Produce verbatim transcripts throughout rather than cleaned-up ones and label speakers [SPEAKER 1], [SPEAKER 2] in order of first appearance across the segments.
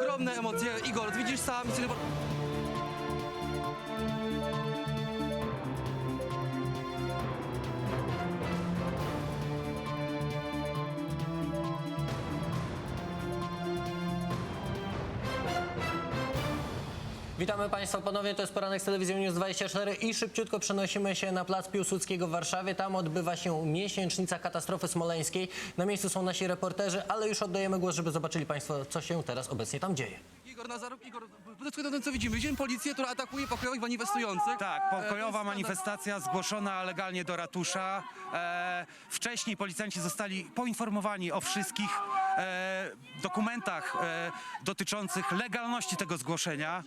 [SPEAKER 1] ogromne emocje. Igor, widzisz sam...
[SPEAKER 2] Witamy Państwa ponownie, to jest poranek z telewizją News dwadzieścia cztery i szybciutko przenosimy się na plac Piłsudskiego w Warszawie. Tam odbywa się miesięcznica katastrofy smoleńskiej. Na miejscu są nasi reporterzy, ale już oddajemy głos, żeby zobaczyli Państwo, co się teraz obecnie tam dzieje.
[SPEAKER 1] Igor Nazaruk, Igor, podetkuje na tym, co widzimy. Widzimy policję, która atakuje pokojowych manifestujących.
[SPEAKER 3] Tak, pokojowa manifestacja zgłoszona legalnie do ratusza. E, wcześniej policjanci zostali poinformowani o wszystkich e, dokumentach e, dotyczących legalności tego zgłoszenia.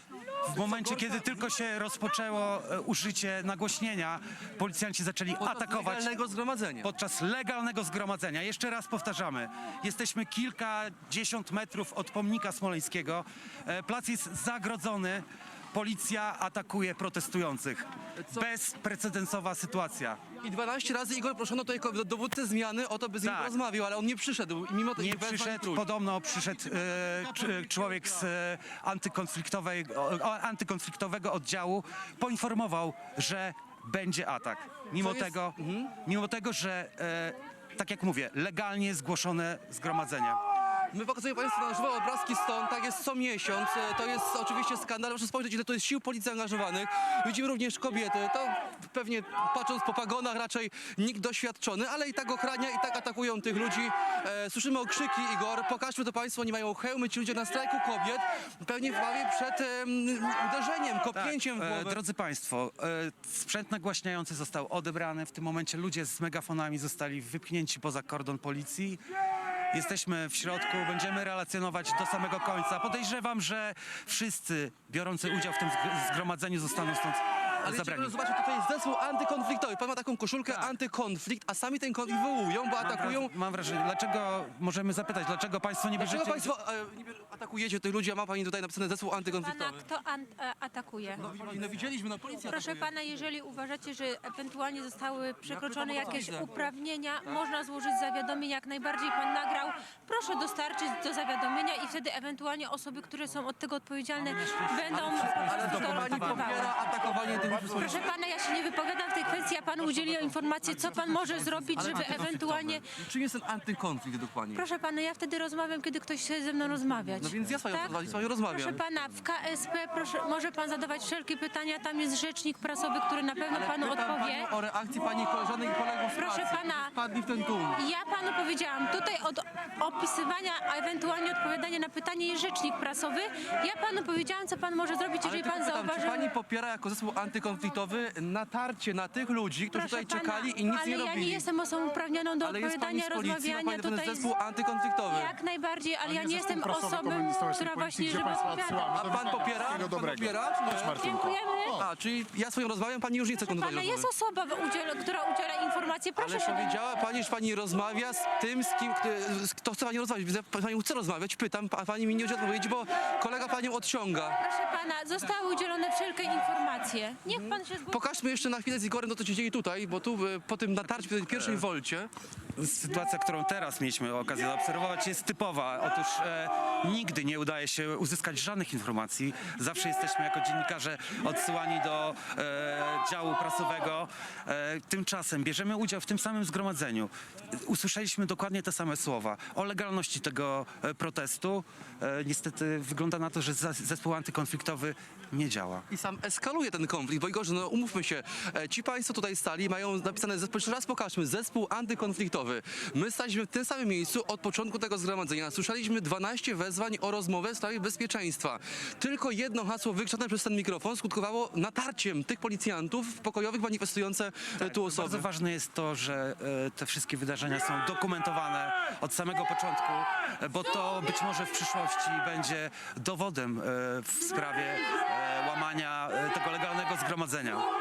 [SPEAKER 3] W momencie, kiedy tylko się rozpoczęło e, użycie nagłośnienia, policjanci zaczęli
[SPEAKER 1] Podczas
[SPEAKER 3] atakować
[SPEAKER 1] legalnego zgromadzenia.
[SPEAKER 3] podczas legalnego zgromadzenia. Jeszcze raz powtarzamy, jesteśmy kilkadziesiąt metrów od pomnika smoleńskiego. E, plac jest zagrodzony. Policja atakuje protestujących.
[SPEAKER 1] Co?
[SPEAKER 3] Bezprecedensowa sytuacja.
[SPEAKER 1] I dwanaście razy Igor proszono tutaj ko- dowódcę zmiany o to, by z nim
[SPEAKER 3] Tak.
[SPEAKER 1] porozmawiał, ale on nie przyszedł. I mimo to
[SPEAKER 3] Nie
[SPEAKER 1] i wezwań
[SPEAKER 3] przyszedł,
[SPEAKER 1] truć.
[SPEAKER 3] podobno przyszedł e, cz- człowiek z e, antykonfliktowej, o, antykonfliktowego oddziału, poinformował, że będzie atak. Mimo
[SPEAKER 1] Co jest-
[SPEAKER 3] tego, mimo tego, że e, tak jak mówię, legalnie zgłoszone zgromadzenie.
[SPEAKER 1] My pokazujemy Państwu na żywo obrazki stąd, tak jest co miesiąc. E, To jest oczywiście skandal. Proszę spojrzeć, ile to jest sił policji angażowanych. Widzimy również kobiety. To pewnie patrząc po pagonach raczej nikt doświadczony, ale i tak ochrania, i tak atakują tych ludzi. E, słyszymy okrzyki, Igor. Pokażmy to Państwu, oni mają hełmy, ci ludzie na strajku kobiet. Pewnie w bawie przed em, uderzeniem, kopnięciem w
[SPEAKER 3] e,
[SPEAKER 1] głowę.
[SPEAKER 3] drodzy Państwo, e, sprzęt nagłaśniający został odebrany. W tym momencie ludzie z megafonami zostali wypchnięci poza kordon policji. Jesteśmy w środku, będziemy relacjonować do samego końca. Podejrzewam, że wszyscy biorący udział w tym zg- zgromadzeniu zostaną stąd
[SPEAKER 1] Ale
[SPEAKER 3] zabrani.
[SPEAKER 1] zobaczcie, zobaczcie, tutaj jest zespół antykonfliktowy. Pan ma taką koszulkę
[SPEAKER 3] Tak.
[SPEAKER 1] antykonflikt, a sami ten konflikt wywołują, bo
[SPEAKER 3] Mam,
[SPEAKER 1] atakują...
[SPEAKER 3] wraż- mam wrażenie, dlaczego, możemy zapytać, dlaczego Państwo nie
[SPEAKER 1] Dlaczego
[SPEAKER 3] bierzecie...
[SPEAKER 1] Państwo e, niby atakujecie tych ludzi, a ma Pani tutaj napisane zespół
[SPEAKER 4] Pana
[SPEAKER 1] antykonfliktowy?
[SPEAKER 4] kto an- e, atakuje?
[SPEAKER 1] No, no widzieliśmy, no policja
[SPEAKER 4] Proszę
[SPEAKER 1] atakuje.
[SPEAKER 4] pana, jeżeli uważacie, że ewentualnie zostały przekroczone
[SPEAKER 1] pytam o to
[SPEAKER 4] jakieś
[SPEAKER 1] widzę.
[SPEAKER 4] uprawnienia, można złożyć zawiadomienie, jak najbardziej pan nagrał. Proszę dostarczyć do zawiadomienia i wtedy ewentualnie osoby, które są od tego odpowiedzialne, będą
[SPEAKER 1] Ale to
[SPEAKER 4] to
[SPEAKER 1] Pani
[SPEAKER 4] rozpatrywały.
[SPEAKER 1] popiera atakowanie tych ludzi.
[SPEAKER 4] Proszę pana, ja się nie wypowiadam w tej kwestii, ja panu udzieliłam informacji, co pan może zrobić, żeby ewentualnie...
[SPEAKER 1] Czym jest ten antykonflikt według Pani?
[SPEAKER 4] Proszę pana, ja wtedy rozmawiam, kiedy ktoś chce ze mną rozmawiać.
[SPEAKER 1] No więc ja z Panią,
[SPEAKER 4] Tak?
[SPEAKER 1] z panią rozmawiam.
[SPEAKER 4] Proszę pana, w K S P proszę, może pan zadawać wszelkie pytania, tam jest rzecznik prasowy, który na pewno
[SPEAKER 1] Ale
[SPEAKER 4] panu
[SPEAKER 1] pytam
[SPEAKER 4] odpowie.
[SPEAKER 1] Panią o reakcji Pani koleżanek i kolegów z
[SPEAKER 4] Proszę
[SPEAKER 1] pracy,
[SPEAKER 4] pana.
[SPEAKER 1] którzy wpadli w ten tłum.
[SPEAKER 4] Ja panu powiedziałam, tutaj od opisywania, a ewentualnie odpowiadania na pytanie jest rzecznik prasowy. Ja panu powiedziałam, co pan może zrobić,
[SPEAKER 1] Ale
[SPEAKER 4] jeżeli
[SPEAKER 1] tylko
[SPEAKER 4] pan
[SPEAKER 1] pytam, czy
[SPEAKER 4] zauważy...
[SPEAKER 1] Pani popiera jako zespół antykonfliktowy natarcie na tych ludzi, którzy
[SPEAKER 4] Proszę
[SPEAKER 1] tutaj
[SPEAKER 4] pana,
[SPEAKER 1] czekali i nic
[SPEAKER 4] ale
[SPEAKER 1] nie
[SPEAKER 4] ja
[SPEAKER 1] robili?
[SPEAKER 4] nie jestem osobą uprawnioną do
[SPEAKER 1] Ale jest Pani
[SPEAKER 4] odpowiadania,
[SPEAKER 1] z policji, ma
[SPEAKER 4] rozmawiania
[SPEAKER 1] Pani ten
[SPEAKER 4] tutaj.
[SPEAKER 1] zespół antykonfliktowy.
[SPEAKER 4] Jak najbardziej, ale ja
[SPEAKER 5] nie
[SPEAKER 4] nie jestem
[SPEAKER 5] zespół prasowy
[SPEAKER 4] osobą,
[SPEAKER 5] Komunistycznej
[SPEAKER 4] która
[SPEAKER 5] Policji,
[SPEAKER 4] właśnie,
[SPEAKER 5] gdzie
[SPEAKER 4] żeby
[SPEAKER 5] państwa
[SPEAKER 4] odpowiadać.
[SPEAKER 5] odsyłamy.
[SPEAKER 1] A
[SPEAKER 5] Do
[SPEAKER 1] Pan
[SPEAKER 5] widzenia.
[SPEAKER 1] popiera?
[SPEAKER 5] Wszystkiego
[SPEAKER 1] Pan
[SPEAKER 5] dobrego.
[SPEAKER 1] popiera? czy nie?
[SPEAKER 5] Cześć, Martynko.
[SPEAKER 4] Dziękujemy.
[SPEAKER 1] A, czyli ja swoją rozmawiam, Pani już nie chce kontynuować
[SPEAKER 4] Pana jest
[SPEAKER 1] rozmowy.
[SPEAKER 4] osoba, w udziel, która udziela informacji. Proszę
[SPEAKER 1] Ale
[SPEAKER 4] się...
[SPEAKER 1] powiedziała Pani, że Pani rozmawia z tym, z kim, kto, z kto chce Pani rozmawiać. Widzę, Pani chce rozmawiać, pytam, a Pani mi nie udziela odpowiedzi, bo kolega Panią odciąga.
[SPEAKER 4] Proszę pana, zostały udzielone wszelkie informacje. Niech pan się zgłosi.
[SPEAKER 1] Pokażmy jeszcze na chwilę z Igorem to, co się dzieje tutaj, bo tu e, po tym natarciu, po tej pierwszej wolcie,
[SPEAKER 3] Sytuacja, którą teraz mieliśmy okazję zaobserwować, jest typowa. Otóż e, nigdy nie udaje się uzyskać żadnych informacji. Zawsze jesteśmy jako dziennikarze odsyłani do e, działu prasowego. E, tymczasem bierzemy udział w tym samym zgromadzeniu. Usłyszeliśmy dokładnie te same słowa o legalności tego e, protestu. E, niestety wygląda na to, że za- zespół antykonfliktowy nie działa.
[SPEAKER 1] i sam eskaluje ten konflikt, bo Igorze, no umówmy się, e, ci Państwo tutaj stali, mają napisane zespół, jeszcze raz pokażmy, zespół antykonfliktowy. My staliśmy w tym samym miejscu od początku tego zgromadzenia. Słyszeliśmy dwanaście wezwań o rozmowę w sprawie bezpieczeństwa. Tylko jedno hasło wykrzyczane przez ten mikrofon skutkowało natarciem tych policjantów pokojowych manifestujące e, tu osoby.
[SPEAKER 3] Bardzo ważne jest to, że e, te wszystkie wydarzenia są dokumentowane od samego początku, e, bo to być może w przyszłości będzie dowodem e, w sprawie e, łamania e, tego legalnego zgromadzenia.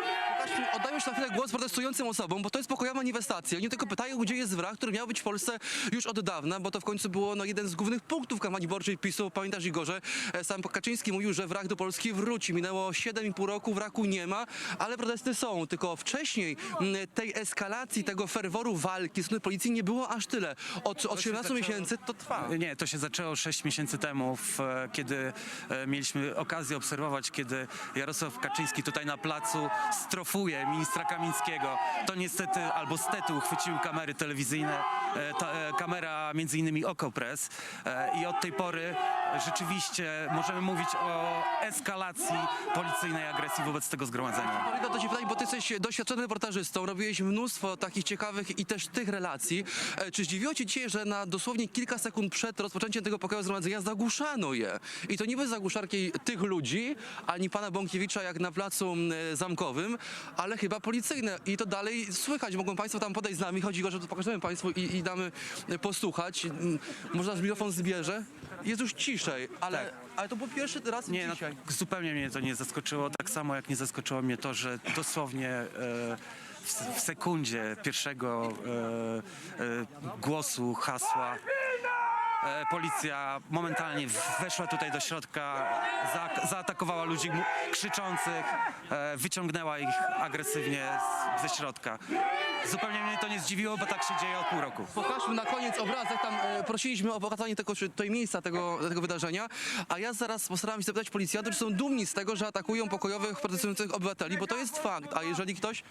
[SPEAKER 1] Pokażmy, oddajmy się na chwilę głos protestującym osobom, bo to jest pokojowa manifestacja. Oni tylko pytają, gdzie jest wrak, który miał być w Polsce już od dawna, bo to w końcu było no, jeden z głównych punktów kampanii wyborczej PiSu. Pamiętasz, Igorze? E, Sam Kaczyński mówił, że wrak do Polski wróci. Minęło siedem i pół roku, wraku nie ma, ale protesty są. Tylko wcześniej m, tej eskalacji, tego ferworu walki z strony policji nie było aż tyle. Od, od siedemnastu miesięcy to trwa.
[SPEAKER 3] Nie, to się zaczęło sześć miesięcy temu, w, e, kiedy e, mieliśmy okazję obserwować, kiedy Jarosław Kaczyński tutaj na placu strofuje ministra Kamińskiego. To niestety, albo stety uchwyciły kamery telewizyjne, e, ta, e, kamera między innymi Okopres e, i od tej pory rzeczywiście możemy mówić o eskalacji policyjnej agresji wobec tego zgromadzenia.
[SPEAKER 1] Marina, do ciebie pytanie, bo ty jesteś doświadczonym reportażystą, robiłeś mnóstwo takich ciekawych i też tych relacji. E, Czy zdziwiło cię dzisiaj, że na dosłownie kilka sekund przed rozpoczęciem tego pokoju zgromadzenia zagłuszano je? I to nie bez zagłuszarki tych ludzi, ani pana Bąkiewicza jak na placu e, Zamkowym, ale chyba policyjne. I to dalej słychać. Mogą państwo tam podejść z nami. Chodzi o to, że pokażemy państwu i, i damy e, posłuchać. M, Może nasz mikrofon zbierze? Jest już ciszej, ale,
[SPEAKER 3] Tak.
[SPEAKER 1] ale to był pierwszy raz
[SPEAKER 3] Nie, no,
[SPEAKER 1] dzisiaj.
[SPEAKER 3] zupełnie mnie to nie zaskoczyło, tak samo jak nie zaskoczyło mnie to, że dosłownie e, w, w sekundzie pierwszego e, e, głosu, hasła e, policja momentalnie weszła tutaj do środka, za, zaatakowała ludzi mu- krzyczących, e, wyciągnęła ich agresywnie z, ze środka. Zupełnie mnie to nie zdziwiło, bo tak się dzieje od pół roku.
[SPEAKER 1] Pokażmy na koniec obrazek, tam e, prosiliśmy o pokazanie tego, czy tutaj miejsca tego, tego wydarzenia, a ja zaraz postaram się zapytać policjantów, czy są dumni z tego, że atakują pokojowych, protestujących obywateli, bo to jest fakt, a jeżeli ktoś...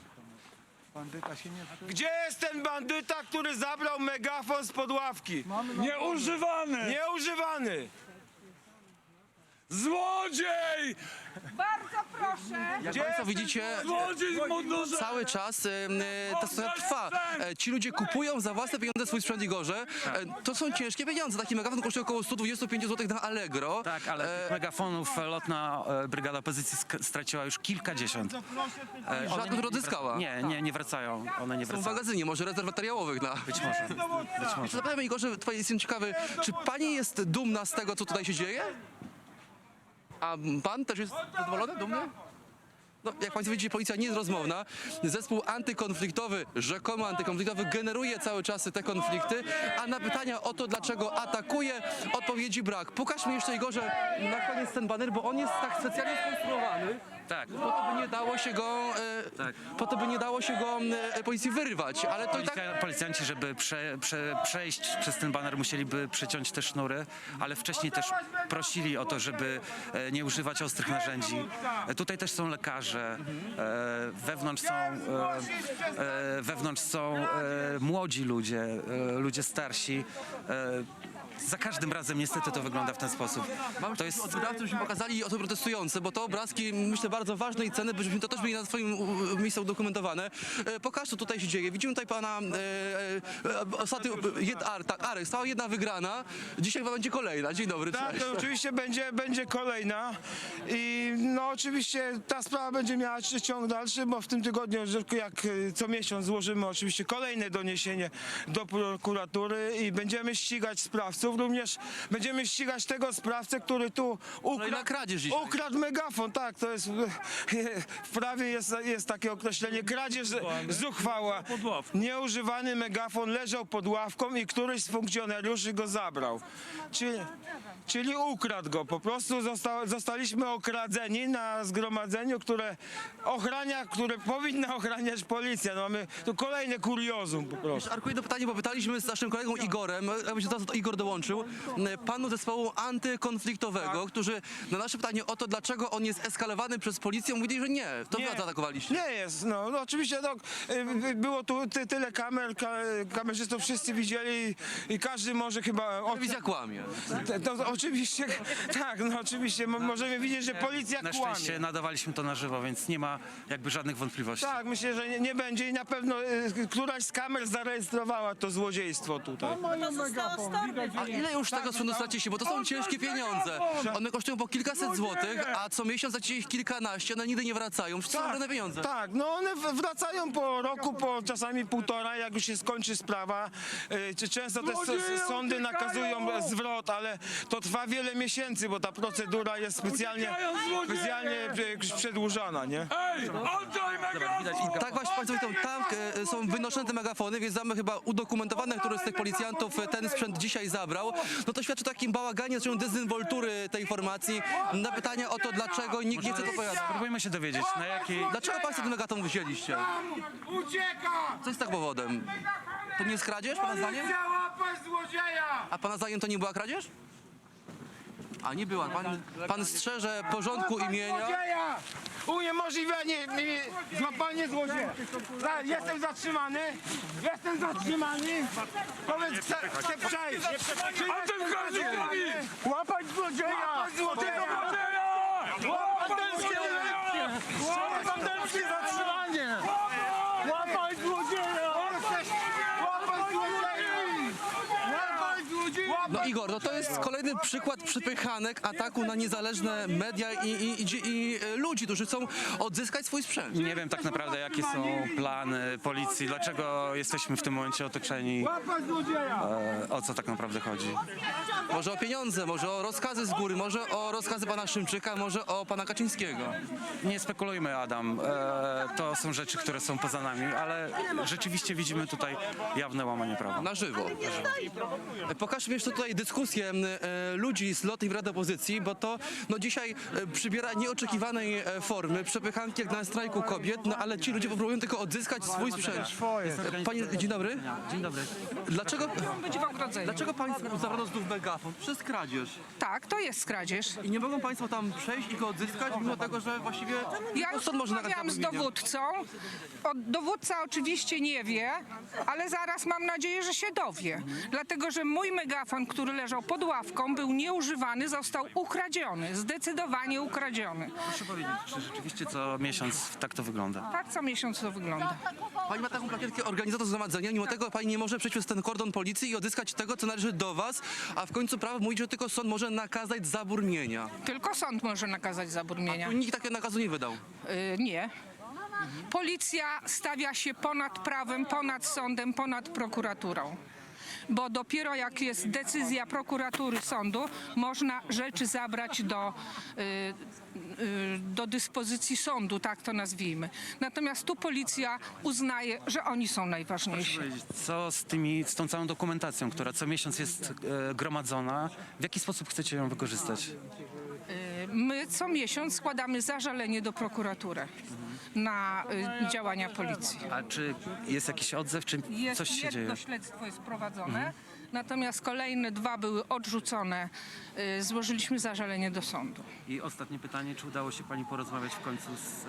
[SPEAKER 5] Gdzie jest ten bandyta, który zabrał megafon z ławki?
[SPEAKER 6] Nieużywany!
[SPEAKER 5] Nieużywany!
[SPEAKER 6] Złodziej!
[SPEAKER 7] Bardzo proszę.
[SPEAKER 1] Jak państwo widzicie,
[SPEAKER 6] Złodziej w mundurze!
[SPEAKER 1] cały czas e, e, ta sytuacja trwa. E, Ci ludzie kupują za własne pieniądze swój sprzęt, Igorze. E, To są ciężkie pieniądze. Taki megafon kosztuje około sto dwadzieścia pięć złotych na Allegro.
[SPEAKER 3] Tak, ale tych megafonów lotna e, brygada opozycji sk- straciła już kilkadziesiąt. E, one
[SPEAKER 1] Żadnych,
[SPEAKER 3] nie-
[SPEAKER 1] które odzyskała.
[SPEAKER 3] Nie, nie, nie wracają. One nie
[SPEAKER 1] Są w
[SPEAKER 3] wracają.
[SPEAKER 1] magazynie, może rezerw materiałowych dla...
[SPEAKER 3] Być może. Być może.
[SPEAKER 1] Zapytajmy, Igorze, twoje jestem ciekawy, czy pani jest dumna z tego, co tutaj się dzieje? A pan też jest zadowolony, dumny? No, jak państwo widzicie, policja nie jest rozmowna. Zespół antykonfliktowy, rzekomo antykonfliktowy, generuje cały czas te konflikty, a na pytania o to, dlaczego atakuje, odpowiedzi brak. Pokaż mi jeszcze, Igorze, na koniec ten baner, bo on jest tak specjalnie skonstruowany,
[SPEAKER 3] Tak.
[SPEAKER 1] po to, by nie dało się go, e,
[SPEAKER 3] Tak.
[SPEAKER 1] po to, by nie dało się go e, policji wyrwać, ale to i tak...
[SPEAKER 3] Policja, policjanci, żeby prze, prze, przejść przez ten baner, musieliby przeciąć te sznury, ale wcześniej też prosili o to, żeby e, nie używać ostrych narzędzi. E, tutaj też są lekarze, e, wewnątrz są, e, e, wewnątrz są e, młodzi ludzie, e, ludzie starsi. E, za każdym razem niestety to wygląda w ten sposób.
[SPEAKER 1] Mam
[SPEAKER 3] To jest
[SPEAKER 1] od wydawców, żebyśmy pokazali osoby protestujące, bo to obrazki, myślę, bardzo ważne i cenne, byśmy to też mieli na swoim u- miejscu udokumentowane. E, Pokaż, co tutaj się dzieje. Widzimy tutaj pana e, e, ostatnio, jed, Ar, tak, Arek, stała jedna wygrana, dzisiaj chyba będzie kolejna. Dzień dobry,
[SPEAKER 5] Tak,
[SPEAKER 1] cześć.
[SPEAKER 5] to oczywiście będzie, będzie kolejna i no oczywiście ta sprawa będzie miała ciąg dalszy, bo w tym tygodniu, że jak y, co miesiąc złożymy oczywiście kolejne doniesienie do prokuratury i będziemy ścigać sprawców, również będziemy ścigać tego sprawcę, który tu
[SPEAKER 1] Kolejna
[SPEAKER 5] ukradł,
[SPEAKER 1] kradzież dzisiaj.
[SPEAKER 5] ukradł megafon, tak, to jest w prawie jest, jest takie określenie, kradzież zuchwała. Nieużywany megafon leżał pod ławką i któryś z funkcjonariuszy go zabrał. Czyli, czyli ukradł go. Po prostu zosta, zostaliśmy okradzeni na zgromadzeniu, które ochrania, które powinna ochraniać policja. No mamy tu kolejne kuriozum po prostu.
[SPEAKER 1] Arku, jedno pytanie, bo pytaliśmy z naszym kolegą Igorem, jakby się teraz Igor dołączył, m, panu zespołu antykonfliktowego,
[SPEAKER 5] Tak.
[SPEAKER 1] którzy na nasze pytanie o to, dlaczego on jest eskalowany przez policję, mówili, że nie, to wy zaatakowaliście.
[SPEAKER 5] Nie jest, no, no oczywiście no, y, y, było tu ty, tyle kamer, ka, kamerzystów wszyscy widzieli i, i każdy może chyba... o-
[SPEAKER 1] Telewizja kłamie.
[SPEAKER 5] To, to oczywiście, tak, no oczywiście mo- możemy widzieć, że policja
[SPEAKER 3] Na
[SPEAKER 5] kłamie.
[SPEAKER 3] szczęście nadawaliśmy to na żywo, więc nie ma jakby żadnych wątpliwości.
[SPEAKER 5] Tak, myślę, że nie, nie będzie i na pewno y, któraś z kamer zarejestrowała to złodziejstwo tutaj.
[SPEAKER 1] A ile już tego sprzętu straciliście? Bo to są ciężkie pieniądze. One kosztują po kilkaset złotych, a co miesiąc stracicie ich kilkanaście. dwanaście, one nigdy nie wracają. Przecież są żadne pieniądze.
[SPEAKER 5] tak, no one w- wracają po roku, po czasami półtora, jak już się skończy sprawa. Y, czy Często też s-
[SPEAKER 6] Złodzieje
[SPEAKER 5] sądy
[SPEAKER 6] uciekają!
[SPEAKER 5] nakazują zwrot, ale to trwa wiele miesięcy, bo ta procedura jest specjalnie,
[SPEAKER 6] Uciekają złodzieje!
[SPEAKER 5] specjalnie y, przedłużana, nie?
[SPEAKER 6] Ej, oddaj megafon!
[SPEAKER 1] Tak właśnie Państwo widzą, tam e, są wynoszone te megafony, więc mamy chyba udokumentowane, który z tych policjantów e, ten sprzęt dzisiaj zabrał. No to świadczy o takim bałaganie, zresztą dezynwoltury tej formacji. Na pytania o to, dlaczego nikt nie chce to opowiadać.
[SPEAKER 3] Spróbujmy się dowiedzieć, na jakiej...
[SPEAKER 1] Dlaczego Państwo ten megaton wzięliście?
[SPEAKER 5] Ucieka!
[SPEAKER 1] Co jest tak powodem? To nie jest kradzież, Pana zdaniem?
[SPEAKER 5] łapać złodzieja!
[SPEAKER 1] A Pana zdaniem to nie była kradzież? A nie była. Pan, pan strzeże porządku imienia.
[SPEAKER 5] Złodzieja! Uniemożliwianie mi złapanie złodzieja. Za- Jestem zatrzymany. Jestem zatrzymany. Powiedz, chcę, chcę przejść. Czy
[SPEAKER 6] A
[SPEAKER 5] jestem
[SPEAKER 6] ten każdy
[SPEAKER 5] zatrzymany?
[SPEAKER 6] mówi!
[SPEAKER 5] Łapać złodzieja! Łapać złodzieja!
[SPEAKER 6] Obywatelski!
[SPEAKER 5] Obywatelskie zatrzymanie! Łapać złodzieja! Łapać złodzieja! Łapać złodzieja!
[SPEAKER 1] No Igor, no to jest kolejny przykład przypychanek ataku na niezależne media i, i, i, i e, ludzi, którzy chcą odzyskać swój sprzęt.
[SPEAKER 3] Nie wiem tak naprawdę, jakie są plany policji, dlaczego jesteśmy w tym momencie otoczeni,
[SPEAKER 5] Łapać złodzieja!
[SPEAKER 3] e, o co tak naprawdę chodzi.
[SPEAKER 1] Może o pieniądze, może o rozkazy z góry, może o rozkazy pana Szymczyka, może o pana Kaczyńskiego.
[SPEAKER 3] Nie spekulujmy, Adam, e, to są rzeczy, które są poza nami, ale rzeczywiście widzimy tutaj jawne łamanie prawa.
[SPEAKER 1] Na żywo. E, Pokażmy jeszcze tutaj dyskusję e, ludzi z loty i rady opozycji, bo to no, dzisiaj e, przybiera nieoczekiwanej e, formy, przepychanki jak na strajku kobiet, no ale ci ludzie próbują tylko odzyskać swój sprzęt. E, Panie, dzień dobry.
[SPEAKER 3] Dzień dobry.
[SPEAKER 1] Dlaczego,
[SPEAKER 7] Być w ogrodzeniu.
[SPEAKER 1] dlaczego państwu zabrano znów megafon? Przez kradzież.
[SPEAKER 7] Tak, to jest kradzież.
[SPEAKER 1] I nie mogą państwo tam przejść i go odzyskać, mimo tego, że właściwie
[SPEAKER 7] Ja już
[SPEAKER 1] sąd może nakazać
[SPEAKER 7] rozmawiałam z
[SPEAKER 1] zabronienia.
[SPEAKER 7] dowódcą. O, dowódca oczywiście nie wie, ale zaraz mam nadzieję, że się dowie. Dlatego, że mój megafon, który leżał pod ławką, był nieużywany, został ukradziony. Zdecydowanie ukradziony.
[SPEAKER 3] Proszę powiedzieć, czy rzeczywiście co miesiąc tak to wygląda?
[SPEAKER 7] Tak co miesiąc to wygląda.
[SPEAKER 1] Pani ma taką plakietkę organizator zgromadzenia, mimo tego pani nie może przejść przez ten kordon policji i odzyskać tego, co należy do was, a w końcu prawo mówi, że tylko sąd może nakazać zabór mienia.
[SPEAKER 7] Tylko sąd może nakazać zabór mienia.
[SPEAKER 1] Nikt takiego nakazu nie wydał.
[SPEAKER 7] Y, nie. Policja stawia się ponad prawem, ponad sądem, ponad prokuraturą. Bo dopiero jak jest decyzja prokuratury, sądu, można rzeczy zabrać do, y, y, do dyspozycji sądu, tak to nazwijmy. Natomiast tu policja uznaje, że oni są najważniejsi.
[SPEAKER 3] Co z tymi, z tą całą dokumentacją, która co miesiąc jest e, gromadzona, w jaki sposób chcecie ją wykorzystać?
[SPEAKER 7] My co miesiąc składamy zażalenie do prokuratury na y, działania policji.
[SPEAKER 3] A czy jest jakiś odzew, czy
[SPEAKER 7] Jest
[SPEAKER 3] coś się dzieje?
[SPEAKER 7] jedno śledztwo jest prowadzone, natomiast kolejne dwa były odrzucone. Y, Złożyliśmy zażalenie do sądu.
[SPEAKER 3] I ostatnie pytanie, czy udało się pani porozmawiać w końcu z,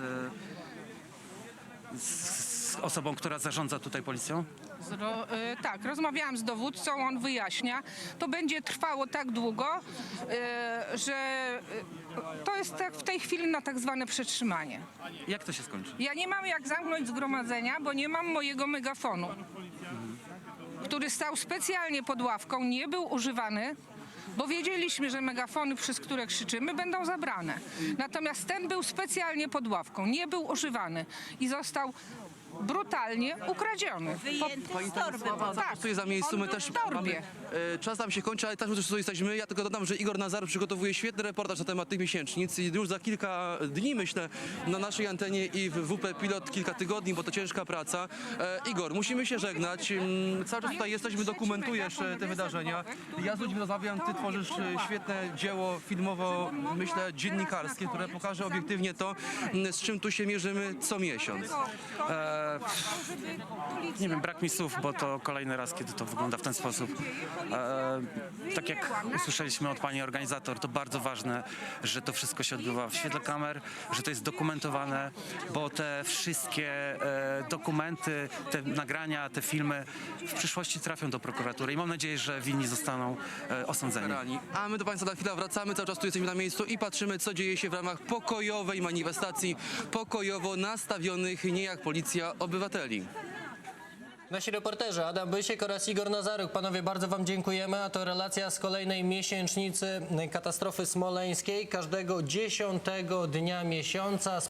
[SPEAKER 3] e, z osobą, która zarządza tutaj policją?
[SPEAKER 7] Zro, y, tak, rozmawiałam z dowódcą, on wyjaśnia. To będzie trwało tak długo, y, że y, to jest tak w tej chwili na tak zwane przetrzymanie.
[SPEAKER 3] Jak to się skończy?
[SPEAKER 7] Ja nie mam jak zamknąć zgromadzenia, bo nie mam mojego megafonu, który stał specjalnie pod ławką, nie był używany, bo wiedzieliśmy, że megafony, przez które krzyczymy, będą zabrane. Natomiast ten był specjalnie pod ławką, nie był używany i został brutalnie ukradziony. Po,
[SPEAKER 1] Pani Stanisława zapracuje za miejscu,
[SPEAKER 7] on
[SPEAKER 1] my
[SPEAKER 7] był
[SPEAKER 1] też
[SPEAKER 7] w torbie.
[SPEAKER 1] mamy, e, czas nam się kończy, ale też my też tu jesteśmy. Ja tylko dodam, że Igor Nazar przygotowuje świetny reportaż na temat tych miesięcznic i już za kilka dni, myślę, na naszej antenie i w W P Pilot kilka tygodni, bo to ciężka praca. E, Igor, musimy się żegnać. Mm, Cały czas tutaj jesteśmy, dokumentujesz e, te wydarzenia. Ja z ludźmi rozmawiam, ty tworzysz e, świetne dzieło filmowo, myślę, dziennikarskie, które pokaże obiektywnie to, m, z czym tu się mierzymy co miesiąc.
[SPEAKER 3] E, nie wiem, brak mi słów, bo to kolejny raz, kiedy to wygląda w ten sposób. E, tak jak usłyszeliśmy od pani organizator, to bardzo ważne, że to wszystko się odbywa w świetle kamer, że to jest dokumentowane, bo te wszystkie e, dokumenty, te nagrania, te filmy w przyszłości trafią do prokuratury i mam nadzieję, że winni zostaną e, osądzeni.
[SPEAKER 1] Rani. A my do Państwa za chwilę wracamy, cały czas tu jesteśmy na miejscu i patrzymy, co dzieje się w ramach pokojowej manifestacji pokojowo nastawionych nie jak policja obywateli.
[SPEAKER 2] Nasi reporterzy Adam Bysiek oraz Igor Nazaruk. Panowie, bardzo wam dziękujemy. A to relacja z kolejnej miesięcznicy katastrofy smoleńskiej. Każdego dziesiątego dnia miesiąca